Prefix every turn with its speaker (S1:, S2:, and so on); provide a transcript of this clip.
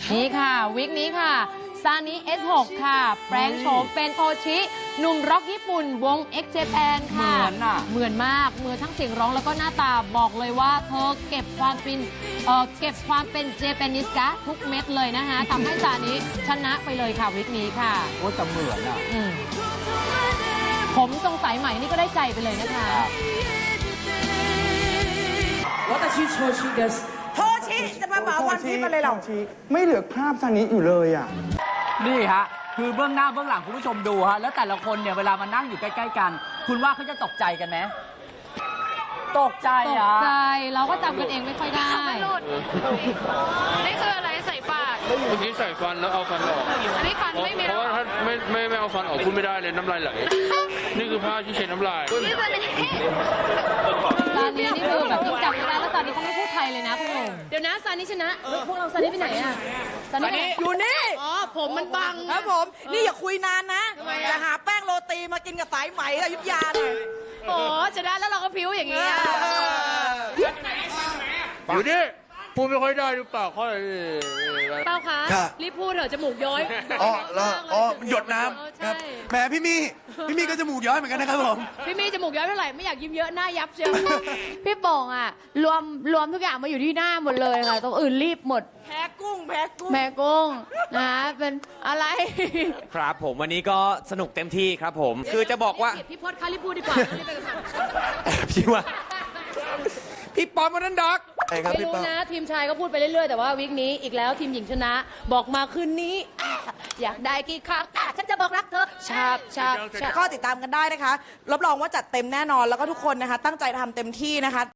S1: นี่ค่ะวิกนี้ค่ะซานิ S6 ค่ะแปลงโฉมเป็นโทชิหนุ่มร็อกญี่ปุ่นวง X Japan ค่ะเหมือนมากเหมือนทั้งเสียงร้องแล้วก็หน้าตาบอกเลยว่าเธอเก็บความเป็นเจแปนิสกะทุกเม็ดเลยนะคะทำให้ซานิชนะไปเลยค่ะวิกนี้ค่ะ
S2: โอ้แต่เหมือนอ่ะ
S1: ผมทรงสายใหม่นี่ก็ได้ใจไปเลยนะคะ
S3: 私調子ですโทชิจะมาเหมาวันพีชมาเลยเหรอ
S4: ไม่เหลือคราบซานิอยู่เลยอ่ะ
S2: นี่ฮะคือเบื้องหน้าเบื้องหลังคุณผู้ชมดูฮะแล้วแต่ละคนเนี่ยเวลามานั่งอยู่ใกล้ๆกัน คุณว่าเขาจะตกใจกันไหมตกใจ
S1: ตก
S2: อ่ะ
S1: ใจเราก็จำกันเองไม่ค่อยได้
S5: นี่คืออะไรใส่ปาก
S6: เมื่อกี้ใส่ฟันแล้วเอาฟันออก
S5: อันนี้ฟันไม่มี
S6: เพราะว่าถ้าไม่เอาฟันออกพูดไม่ได้เลยน้ำลายไหล นี่คือผ้าที่เช็ดน้ำลาย
S5: นี่คือนี่
S1: ซานินี่คือแบบที่จำไม่ได้แล้วซานิเขาไม่พูดไทยเลยนะคุณหนุ่มเดี๋ยวนะซานิชนะพวกเราซานิไปไหนอะซานิ
S3: อยู่นี่
S1: อ๋อผมมันบัง
S3: ครับผม นี่อย่าคุยนานนะ จะหาแป้งโรตีมากินกับสายไหมอยุธยาเลย
S1: โอ้ชนะแล้วเราก็พิ้วอย่างนี้อะ
S6: อยู่นี่พูดไม่ค่อยได้หรือเปล่าค่อย
S1: เป้าคะ
S7: ครับ
S1: รีบพูดเถอะจมูกย้อย
S7: อ๋อแล้วอ๋อมันหยดน้
S1: เออ
S7: ำ
S1: ใช่
S7: ครับแหมพี่มี่ก็จมูกย้อยเหมือนกันนะครับผม
S1: พี่มีจมูกย้อยเท่าไหร่ไม่อยากยิ้มเยอะหน้ายับเชียว
S8: พี่โป่งอะรวมทุกอย่างมาอยู่ที่หน้าหมดเลยค่ะตรงอื่นรีบหมด
S3: แพ้กุ้ง แพ้กุ้ง
S8: แม่กุ้งนะคะเป็นอะไร
S9: ครับผมวันนี้ก็สนุกเต็มที่ครับผมคือจะบอกว่า
S1: พี่พศคะรีบพูดดีกว่ารีบไปกันค่ะ
S9: พี่ว่าพี่ปอมวันนั้นด็อก
S7: ใช่ครับ
S1: ไม่
S7: พี่
S1: รู้
S7: ป้า
S1: นะทีมชายก็พูดไปเรื่อยๆ แต่ว่าวีคนี้อีกแล้วทีมหญิงชนะ บอกมาคืนนี้อยากได้กี่ครั้งฉันจะบอกรักเธอชาบชาบชาบ
S3: ก็ติดตามกันได้นะคะ รับรองว่าจัดเต็มแน่นอน แล้วก็ทุกคนนะคะ ตั้งใจทำเต็มที่นะคะ